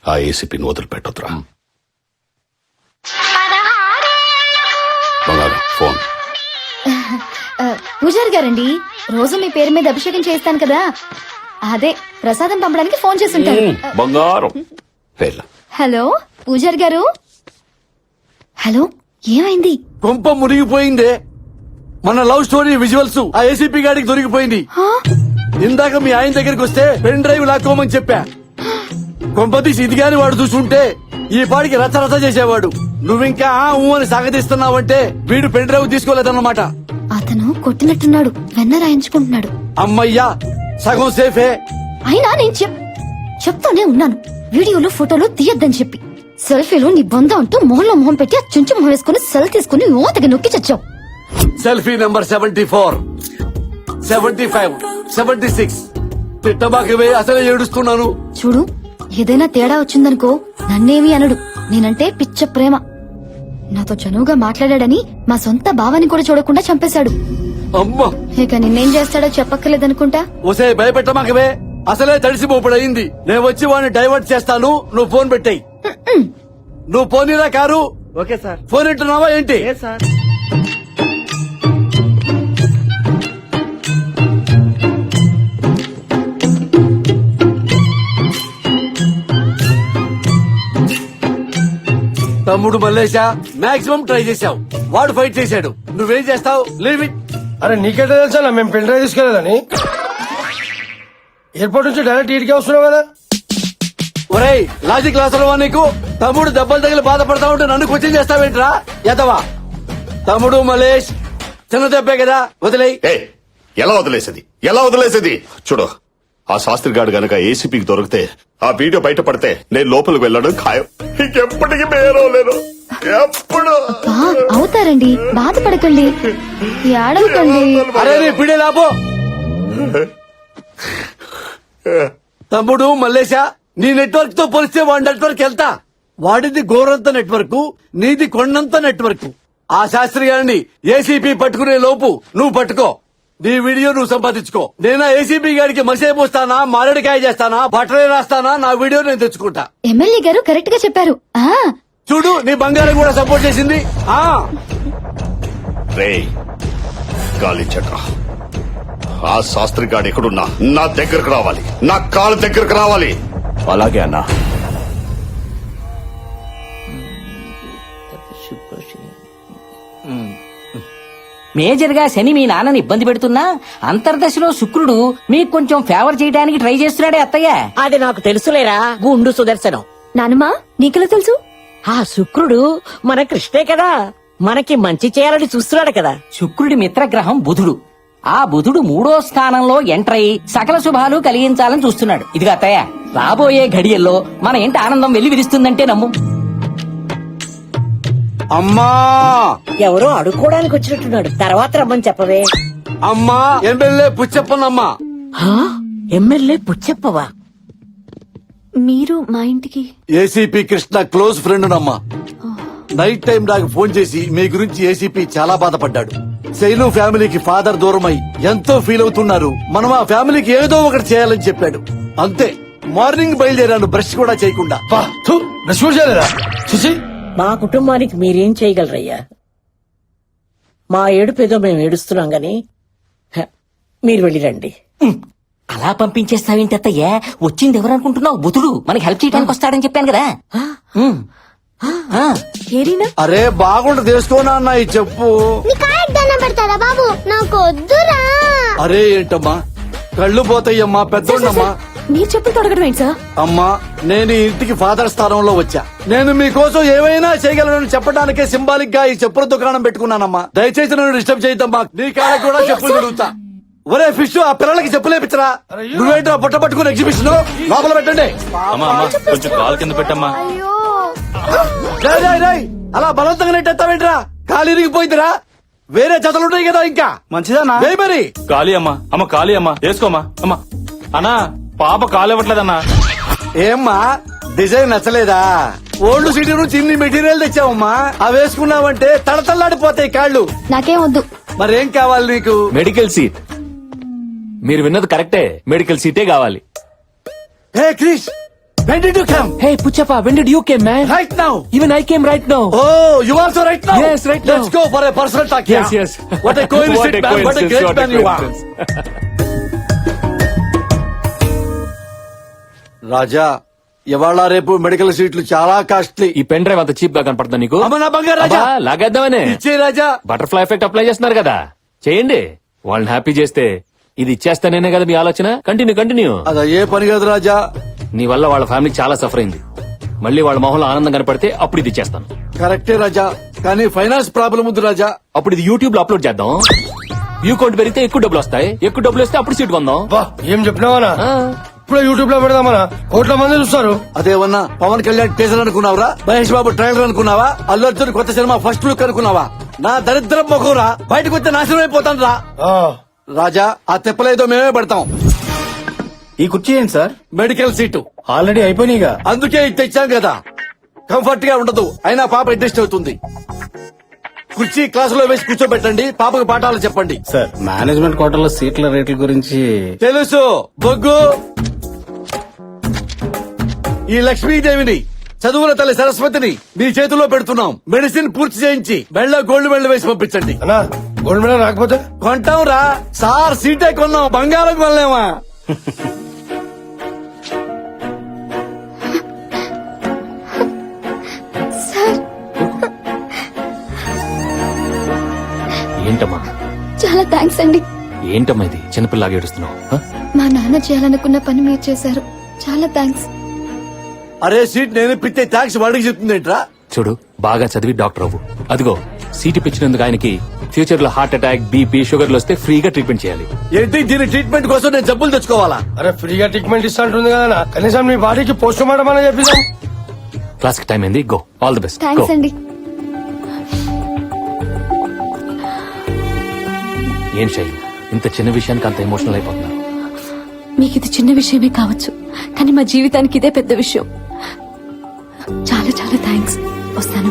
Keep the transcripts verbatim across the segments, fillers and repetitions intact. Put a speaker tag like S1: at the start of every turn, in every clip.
S1: ఆ ఏసీపీని వదిలిపెట్టొద్దురా. బంగారం ఫోన్.
S2: పూజారి గారండి, రోజు మీ పేరు మీద అభిషేకం చేస్తాను కదా, అదే ప్రసాదం పంపడానికి ఫోన్ చేస్తుంటారు.
S1: బంగారం.
S2: హలో పూజారి గారు. హలో, ఏమైంది?
S3: కొంప మునిగిపోయిందే. మన లవ్ స్టోరీ విజువల్స్ ఆ ఏసీపీ గాడికి దొరికిపోయింది. ఇందాక మీ ఆయన దగ్గరికి వస్తే పెన్ డ్రైవ్ లాక్కోమని చెప్పా. కొంపతీసి ఇది గాని వాడు చూసుంటే ఈ పాడికి రచ్చ రచ్చ చేసేవాడు. నువ్వింకా ఆ ఊ అని సాగదీస్తున్నావంటే వీడు పెన్ డ్రైవ్ తీసుకోలేదన్నమాట.
S2: అతను కొట్టినట్టున్నాడు, వెన్న రాయించుకుంటున్నాడు.
S3: అమ్మయ్యా, సగం సేఫే.
S2: అయినా నేను చెప్ చెప్తానే ఉన్నాను, వీడియోలు ఫోటోలు తీయొద్దని చెప్పి. సెల్ఫీలు నీ బొంద అంటూ మొహంలో మొహం పెట్టి ఆ చుంచు మొహం వేసుకుని సెల్ తీసుకుని ఓతకి నొక్కి చచ్చావు.
S3: Selfie number seventy four seventy five seventy six తిట్టబాకవే, అసలే ఏడుస్తున్నాను.
S2: చూడు, ఏదైనా తేడా వచ్చిందనుకో నన్నేమి అనడు. నేనంటే పిచ్చ ప్రేమ. నాతో చనువుగా మాట్లాడాడని మా సొంత భావాన్ని కూడా చూడకుండా చంపేశాడు.
S3: అమ్మా,
S2: ఇక నిన్నేం చేస్తాడో చెప్పక్కర్లేదనుకుంటా.
S3: ఒసే భయపెట్టమాకవే, అసలే తడిసి మోపుడయింది. నేను వచ్చి వాడిని డైవర్ట్ చేస్తాను, నువ్వు ఫోన్ పెట్టాయి. నువ్వు పోనీరా కారు.
S4: Okay sir.
S3: ఫోన్ ఇంటున్నావా ఏంటి?
S4: సార్
S3: తమ్ముడు మల్లేశా, మాక్సిమం ట్రై చేశావు, వాడు ఫైట్ చేశాడు, నువ్వేం చేస్తావు? Leave it.
S5: అరే నీకెట్లా తెలుసా మేము పెన్ డ్రైవ్ తీసుకెళ్ళాలని? ఎయిర్పోర్ట్ నుంచి డైరెక్ట్ ఈడికే వస్తున్నావు కదా.
S3: ఒరేయ్, లాజిక్ లాసరవా నీకు? తమ్ముడు దెబ్బలు తగిలి బాధపడతా ఉంటే నన్ను క్వశ్చన్ చేస్తావేంట్రా ఎదవా? తమ్ముడు మలేష్ చిన్న దెబ్బే కదా, వదిలేయ్.
S1: ఎలా వదిలేసేది ఎలా వదిలేసేది చూడు, ఆ శాస్త్రి గారు గనక ఏసీపీకి దొరికితే, ఆ వీడియో బయటపడితే నేను లోపలికి వెళ్ళడం ఖాయం. ఇంకెప్పటికీ మేరవలేను. ఎప్పుడు
S2: అవుతారండి, బాధపడకండి, ఏడవకండి.
S3: అరే నీ పిడే లాపో. తమ్ముడు మల్లేశా, నీ నెట్వర్క్ తో పోలిస్తే వాడి నెట్వర్క్ వెళ్తా. వాడిది గోరంత నెట్వర్క్, నీది కొండంత నెట్వర్క్. ఆ శాస్త్రి గారిని ఏసీపీ పట్టుకునే లోపు నువ్వు పట్టుకో, నీ వీడియో నువ్వు సంపాదించుకో. నేనా ఏసీపీ గారికి మసేపు వస్తానా, మారేడుకాయ చేస్తానా, బట్టలే రాస్తానా, నా వీడియో నేను తెచ్చుకుంటా.
S2: ఎమ్మెల్యే గారు కరెక్ట్ గా చెప్పారు. ఆ
S3: చూడు, నీ బంగారం కూడా సపోర్ట్ చేసింది. ఆ
S1: రే గాలి చక్ర, ఆ శాస్త్రి గాడు ఎక్కడున్నా నా దగ్గరకు రావాలి, నా కాలు దగ్గరకు రావాలి.
S6: అలాగే అన్నా.
S7: మేజర్ గా శని మీ నాన్నని ఇబ్బంది పెడుతున్నా అంతర్దశలో శుక్రుడు మీకు కొంచెం ఫేవర్ చేయడానికి ట్రై చేస్తున్నాడే అత్తయ్య.
S8: అది నాకు తెలుసులేరా గుండు సుదర్శనం.
S2: నానమ్మా, నీకెలా తెలుసు?
S8: ఆ శుక్రుడు మన కృష్ణే కదా, మనకి మంచి చేయాలని చూస్తున్నాడు కదా.
S7: శుక్రుడి మిత్రగ్రహం బుధుడు. ఆ బుధుడు మూడో స్థానంలో ఎంటర్ అయి సకల శుభాలు కలిగించాలని చూస్తున్నాడు. ఇదిగా అత్తయ్య, రాబోయే ఘడియల్లో మన ఇంటి ఆనందం వెళ్లి విరుస్తుందంటే నమ్ము.
S3: అమ్మా,
S8: ఎవరో అడుక్కోడానికి వచ్చినట్టున్నాడు, తర్వాత రమ్మని చెప్పవే.
S3: అమ్మా, ఎమ్మెల్యే పుచ్చప్పనమ్మా.
S8: ఎమ్మెల్యే పుచ్చప్పవా?
S2: మీరు మా ఇంటికి?
S3: ఏసీపీ కృష్ణ క్లోజ్ ఫ్రెండ్ నమ్మా. నైట్ టైం నాకు ఫోన్ చేసి మీ గురించి ఏసీపీ చాలా బాధపడ్డాడు. శైలు ఫ్యామిలీకి ఫాదర్ దూరమై ఎంతో ఫీల్ అవుతున్నారు, మనం ఆ ఫ్యామిలీకి ఏదో ఒకటి చేయాలని చెప్పాడు. అంతే, మార్నింగ్ బయలుదేరాను బ్రష్ కూడా చేయకుండా.
S5: బ్రష్ కూడా చేయలేదా? చూసి
S8: మా కుటుంబానికి మీరేం చేయగలరయ్యా? మా ఏడుపేదో మేము ఏడుస్తున్నాం గాని హ, మీరు వెళ్ళిరండి.
S7: అలా పంపించేస్తావేంటి అత్తయ్య? వచ్చింది ఎవరనుకుంటున్నావు? బుధుడు మనకి హెల్ప్ చేయడానికి వస్తాడని చెప్పాను కదా. ఉమ్. ఆ.
S3: అరే బాగుండు తెలుసుకోనా అన్న, ఈ చెప్పు.
S2: పెడతారా బాబు, నాకు వద్దురా.
S3: అరే ఏంటమ్మా, కళ్ళు పోతాయమ్మా, పెద్దోళ్ళమ్మా.
S2: మీరు చెప్పులు తొడగడం ఏంటి సార్?
S3: అమ్మా, నేను ఈ ఇంటికి ఫాదర్ స్థానంలో వచ్చా. నేను మీకోసం ఏమైనా చేయగలను చెప్పడానికే సింబాలిక్ గా ఈ చెప్పుల దుకాణం పెట్టుకున్నానమ్మా. దయచేసి నన్ను డిస్టర్బ్ చేయద్దమ్మా. నీ కాళ్ళకి కూడా చెప్పులు తిరుగుతా. ఒరే ఫిష్, ఆ పిల్లలకి చెప్పులేపించరా. నువ్వేంట్రా పుట్ట పట్టుకుని ఎగ్జిబిషన్ లోపల పెట్టండి.
S6: కొంచెం కాలు కింద పెట్టమ్మా.
S3: రేయ్, రేయ్, రేయ్, అలా బలవంతంగా నెట్టేస్తావేంట్రా? కాలు ఇరిగిపోయిందిరా. వేరే జతలుంటాయి కదా ఇంకా.
S5: మంచిదన్నా.
S3: వేయ్ మరి.
S6: ఖాళీ అమ్మా. అమ్మ ఖాళీ అమ్మా, వేసుకోమ్మా. అమ్మా అన్నా, పాప కాలు ఇవ్వట్లేదన్నా.
S3: ఏమ్మా, డిజైన్ నచ్చలేదా? ఓల్డ్ సిటీ నుంచి ఇన్ని మెటీరియల్ తెచ్చావమ్మా, అవి వేసుకున్నావంటే తడతల్లాడిపోతాయి కాళ్ళు.
S2: నాకేం వద్దు.
S3: మరేం కావాలి నీకు?
S6: Medical seat. మీరు విన్నది కరెక్టే, మెడికల్ సీటే కావాలి.
S3: హే Krish, When did you come?
S6: Hey, Puchappa, when did you came, man?
S3: Right now.
S6: Even I came right now.
S3: Oh, you also right now?
S6: Yes, right now.
S3: Let's go for a personal talk.
S6: Yes,
S3: yeah?
S6: yes.
S3: What a coincidence,
S6: What a
S3: man. What a
S6: coincidence,
S3: great
S6: what a
S3: man you are.
S6: coincidence.
S3: రాజా ఇవాళ రేపు medical సీట్లు చాలా costly.
S6: ఈ pen drive అంత cheap గా కనపడుతుందా నీకు?
S3: అమ్మ నా బంగారు రాజా.
S6: అబ్బా, లాగేద్దామనే.
S3: ఇచ్చే రాజా.
S6: బటర్ఫ్లై ఎఫెక్ట్ అప్లై చేస్తున్నారు కదా, చేయండి. వాళ్ళని హ్యాపీ చేస్తే ఇది ఇచ్చేస్తానేనే కదా మీ ఆలోచన. Continue continue.
S3: అది ఏ పని కాదు రాజా.
S6: నీ వల్ల వాళ్ళ ఫ్యామిలీ చాలా సఫర్ అయింది. మళ్ళీ వాళ్ళ మొహంలో ఆనందం కనపడితే అప్పుడు ఇది ఇచ్చేస్తాను.
S3: కరెక్టే రాజా, కానీ ఫైనాన్స్ ప్రాబ్లం ఉంది రాజా.
S6: అప్పుడు ఇది యూట్యూబ్ లో అప్లోడ్ చేద్దాం. వ్యూ కౌంట్ పెరిగితే ఎక్కువ డబ్బులు వస్తాయి. ఎక్కువ డబ్బులు వస్తే అప్పుడు సీట్ కొందాం.
S5: బా ఏం చెప్పినావనా?
S6: ఆ,
S5: ఇప్పుడు యూట్యూబ్ లో పెడదామనా? కోట్ల మంది చూస్తారు.
S3: అదేమన్నా పవన్ కళ్యాణ్ టీజర్ అనుకున్నావురా? మహేష్ బాబు ట్రైలర్ అనుకున్నావా? అల్లు అర్జున్ కొత్త సినిమా ఫస్ట్ లుక్ అనుకున్నావా? నా దరిద్రం మొఖంరా, బయటకు వస్తే నాశనం అయిపోతాను రా.
S5: ఆ,
S3: రాజా, ఆ తిప్పలేదో మేమే పెడతాం.
S5: ఈ కుర్చీ ఏంటి సార్?
S3: మెడికల్ సీటు
S5: ఆల్రెడీ అయిపోయినాయిగా.
S3: అందుకే ఇది తెచ్చాం కదా. కంఫర్ట్ గా ఉండదు, అయినా పాప అడ్జస్ట్ అవుతుంది. కుర్చీ క్లాసులో వేసి కూర్చోబెట్టండి, పాపకు పాఠాలు చెప్పండి.
S4: సార్ మేనేజ్మెంట్ కోటాలో సీట్ల రేట్ల గురించి
S3: తెలుసు బొగ్గు. ఈ లక్ష్మీదేవిని, చదువుల తల్లి సరస్వతిని మీ చేతిలో పెడుతున్నాం. మెడిసిన్ పూర్తి చేయించి మెళ్ళ గోల్డ్ మెడల్ వేసి పంపించండి.
S5: అన్నా గోల్డ్ మెడల్ రాకపోతే?
S3: కొంటాం రా సార్, సీటే కొన్నాం, బంగారం కొనలేమా?
S2: సార్
S6: ఏంటమ్మా
S2: చాలా థ్యాంక్స్ అండి.
S6: ఏంటమ్మా ఇది చిన్నపిల్లలాగా ఏడుస్తున్నావు? ఆ?
S2: మా నాన్న చేయాలనుకున్న పని మీరు చేశారు. చాలా థ్యాంక్స్.
S3: అరే సీట్ నేను ఇప్పితే ట్యాక్స్ వాడికి చెప్తుందేంట్రా?
S6: చూడు, బాగా చదివి డాక్టర్ అవ్వు. అదిగో సీటు పిచ్చినందుకు ఆయనకి ఫ్యూచర్ లో హార్ట్ అటాక్, బీపీ, షుగర్లు వస్తే ఫ్రీగా ట్రీట్మెంట్ చేయాలి.
S3: ఏంటి దీని ట్రీట్మెంట్ కోసం నేను జబ్బులు తెచ్చుకోవాలా?
S5: అరే ఫ్రీగా ట్రీట్మెంట్ ఇస్తా అంటుంది కదా, కనీసం మీ బాడీకి పోస్ట్ మార్టం అని చెప్పిస్తాం.
S6: క్లాస్ కి టైం అయింది, go. All the best.
S2: Thanks అండి.
S6: ఏం శైలు, ఇంత చిన్న విషయానికి అంత ఎమోషనల్ అయిపోతున్నారు?
S2: మీకు ఇది చిన్న విషయమే కావచ్చు, కానీ మా జీవితానికి ఇదే పెద్ద విషయం. చాలా చాలా థ్యాంక్స్. వస్తాను.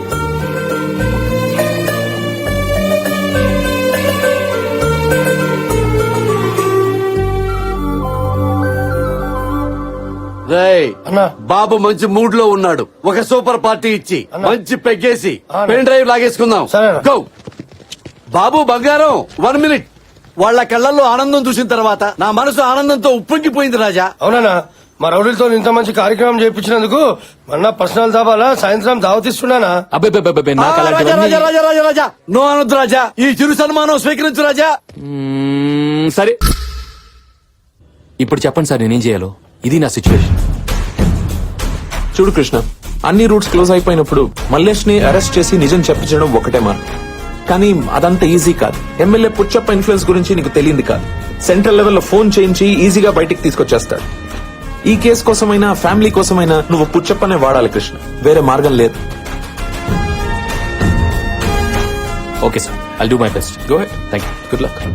S3: రేయ్
S5: అన్నా.
S3: బాబు మంచి మూడ్ లో ఉన్నాడు. ఒక సూపర్ పార్టీ ఇచ్చి
S5: అన్నా.
S3: మంచి పెగ్గేసి
S5: అన్నా.
S3: పెన్ డ్రైవ్ లాగేసుకుందాం.
S5: సరేనా.
S3: గో. బాబు బంగారం, వన్ మినిట్. వాళ్ళ కళ్ళల్లో ఆనందం చూసిన తర్వాత నా మనసు ఆనందంతో ఉప్పొంగిపోయింది రాజా.
S5: అవునా? మా రౌడీలతో ఇంత మంచి కార్యక్రమం చేయించినందుకు మొన్న పర్సనల్ దాబాలా సాయంత్రం దావతిస్తున్నానా?
S6: అబ్బే అబ్బే, అబ్బే,
S3: ఆ,
S6: నాకు
S3: రాజా
S6: అలాంటివన్నీ-
S3: రాజా రాజా రాజా రాజా నో అనొద్దు రాజా. ఈ చిరు సన్మానం స్వీకరించు రాజా.
S6: మ్మ్, సరే ఇప్పుడు చెప్పండి సార్, నేనేం చేయాలో? ఇది నా సిచ్యువేషన్.
S9: చూడు కృష్ణ, అన్ని రూట్స్ క్లోజ్ అయిపోయినప్పుడు మల్లేష్ ని అరెస్ట్ చేసి నిజం చెప్పించడం ఒకటే మార్గం. కానీ అదంత ఈజీ కాదు. ఎమ్మెల్యే పుచ్చప్ప ఇన్ఫ్లుయెన్స్ గురించి నీకు తెలియంది కాదు. సెంట్రల్ లెవెల్లో ఫోన్ చేయించి ఈజీగా బయటికి తీసుకొచ్చేస్తాడు. ఈ కేసు కోసమైనా ఫ్యామిలీ కోసమైనా నువ్వు పుచ్చప్పనే వాడాలి కృష్ణ, వేరే మార్గం లేదు.
S6: Okay sir, I'll do my best. Go ahead. Thank you. Good luck.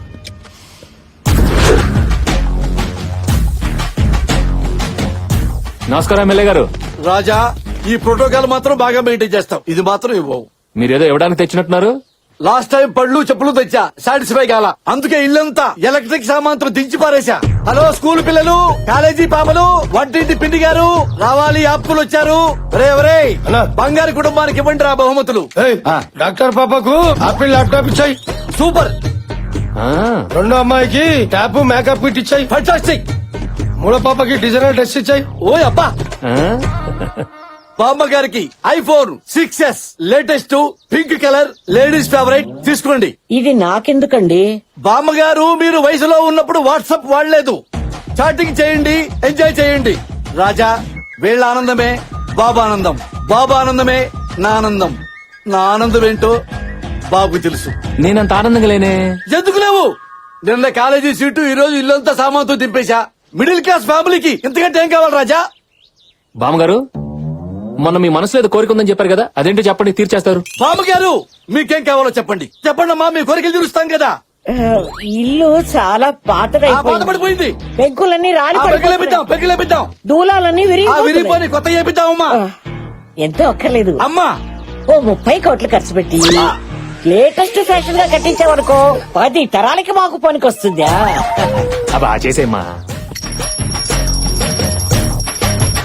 S6: నమస్కారం ఎమ్మెల్యే గారు.
S3: రాజా, ఈ ప్రోటోకాల్ మాత్రం బాగా మెయింటైన్ చేస్తాం. ఇది మాత్రం ఇవ్వవు.
S6: మీరేదో ఇవ్వడానికి తెచ్చినట్టున్నారు.
S3: లాస్ట్ టైం పళ్ళు చెప్పులు తెచ్చా, సాటిస్ఫై కాల. అందుకే ఇల్లంతా ఎలక్ట్రిక్ సామాన్తో దించి పారేశా. హలో స్కూల్ పిల్లలు, కాలేజీ పాపలు, వంటింటి పిండి గారు, రావాలి అప్పులు వచ్చారు. రే రే
S5: అన్నా.
S3: బంగారు కుటుంబానికి ఇవ్వండి రా బహుమతులు.
S5: ఏయ్, డాక్టర్ పాపకు ఆపిల్ ల్యాప్టాప్ ఇచ్చాయి.
S3: సూపర్,
S6: ఆ,
S5: రెండో అమ్మాయికి ట్యాప్ మేకప్ కిట్ ఇచ్చాయి.
S3: ఫంటాస్టిక్.
S5: మూడో పాపకి డిజైనర్ డ్రెస్ ఇచ్చాయి.
S3: ఓయ్ అబ్బా.
S6: ఆ?
S3: బామ్మ గారికి iPhone six S latest pink colour ladies favourite తీసుకోండి.
S8: ఇది నాకెందుకండి?
S3: బామ్మగారు మీరు వయసులో ఉన్నప్పుడు వాట్సాప్ వాడలేదు. చాటింగ్ చేయండి, ఎంజాయ్ చేయండి. రాజా, వీళ్ళ ఆనందమే బాబా ఆనందం, బాబా ఆనందమే నా ఆనందం. నా ఆనందం ఏంటో బాబుకు తెలుసు.
S6: నేనంత ఆనందంగా లేనే.
S3: ఎందుకు లేవు? నిన్న కాలేజీ సీటు, ఈ రోజు ఇల్లంతా సామాన్తో దింపేశా. మిడిల్ క్లాస్ ఫ్యామిలీకి ఇంతకంటే ఏం కావాలి రాజా?
S6: బామ్మగారు, మొన్న మీ మనసులో ఏదో కోరిక ఉందని చెప్పారు కదా, అదేంటో చెప్పండి, తీర్చేస్తారు.
S3: బామ్మగారు, మీకేం కావాలో చెప్పండి. చెప్పండి అమ్మా, మీ కోరికలు తీరుస్తాం కదా.
S8: ఆ, ఇల్లు చాలా
S3: ఆ
S8: పాతదైపోయింది.
S3: బాధపడిపోయింది.
S8: పెంకులన్నీ రాలి
S3: ఆ
S8: పడిపోతున్నాయి.
S3: పెగ్గులేపిద్దాం, పెగ్గులేపిద్దాం.
S8: దూలాలన్నీ
S3: ఆ
S8: విరిగిపోతున్నాయి.
S3: విరిగిపోయి కొత్త చేపిద్దామమ్మా.
S8: ఆ, ఎంతో అక్కర్లేదు.
S3: అమ్మా,
S8: ఓ ముప్పై కోట్లు ఖర్చు పెట్టి లేటెస్ట్ ఫ్యాషన్ గా కట్టించావనుకో, పది తరాలకి మాకు పనికొస్తుందా?
S6: అబ్బా చేసేమ్మా.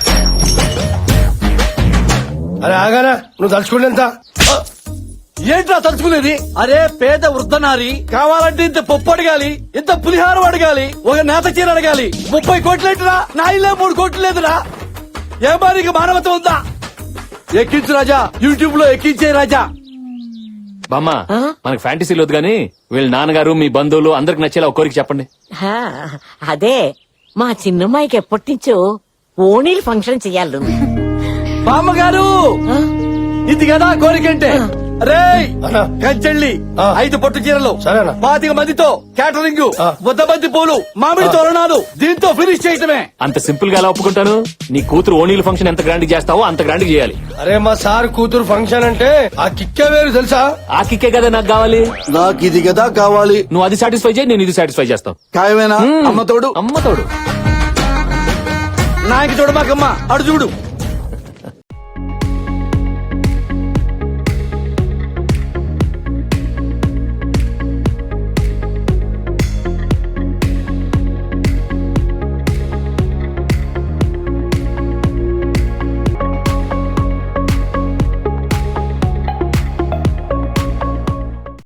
S5: అరే ఆగానా నువ్వు తలుచుకుంటే ఎంత
S3: ఏంట్రా తలుచుకునేది? అరే పేద వృద్ధనారి కావాలంటే ఇంత పప్పు అడగాలి, ఇంత పులిహారం అడగాలి, ఒక నేత చీర అడగాలి. ముప్పై కోట్లు ఏంటిరా? నా ఇల్లే మూడు కోట్లు లేదురా. ఏ మారికి మానవత ఉందా? ఎక్కించు రాజా, యూట్యూబ్ లో ఎక్కించే రాజా.
S6: బామ్మ మనకు ఫ్యాంటసీలు వద్దు గానీ వీళ్ళ నాన్నగారు మీ బంధువులు అందరికి నచ్చేలా ఒక కోరిక చెప్పండి.
S8: హా, అదే మా చిన్నమ్మాయికి ఎప్పటి నుంచో ఓణీలు ఫంక్షన్ చెయ్యాలి.
S3: బామ్మగారు ఇది కదా కోరికంటే. రే
S5: అన్నా.
S3: కంచెళ్ళి
S5: ఆ.
S3: ఐదు పట్టు చీరలు,
S5: సరేనా.
S3: పాతిక మందితో క్యాటరింగ్,
S5: ఆ.
S3: వద్ద బంతి పూలు, మామిడి తోరణాలు, దీంతో ఫినిష్ చేయటమే.
S6: అంత సింపుల్ గా ఎలా ఒప్పుకుంటాను? నీ కూతురు ఓణీల ఫంక్షన్ ఎంత గ్రాండ్ చేస్తావో అంత గ్రాండ్ చేయాలి.
S5: అరే మా సార్ కూతురు ఫంక్షన్ అంటే ఆ కిక్కే వేరు తెలుసా.
S6: ఆ కిక్కే కదా నాకు కావాలి.
S3: నాకు ఇది కదా కావాలి.
S6: నువ్వు అది సాటిస్ఫై చేయి, నేను ఇది సాటిస్ఫై చేస్తాను.
S3: ఖాయమేనా? అమ్మ తోడు,
S6: అమ్మ తోడు.
S3: నాయకి చూడు మాకమ్మ, అడు చూడు.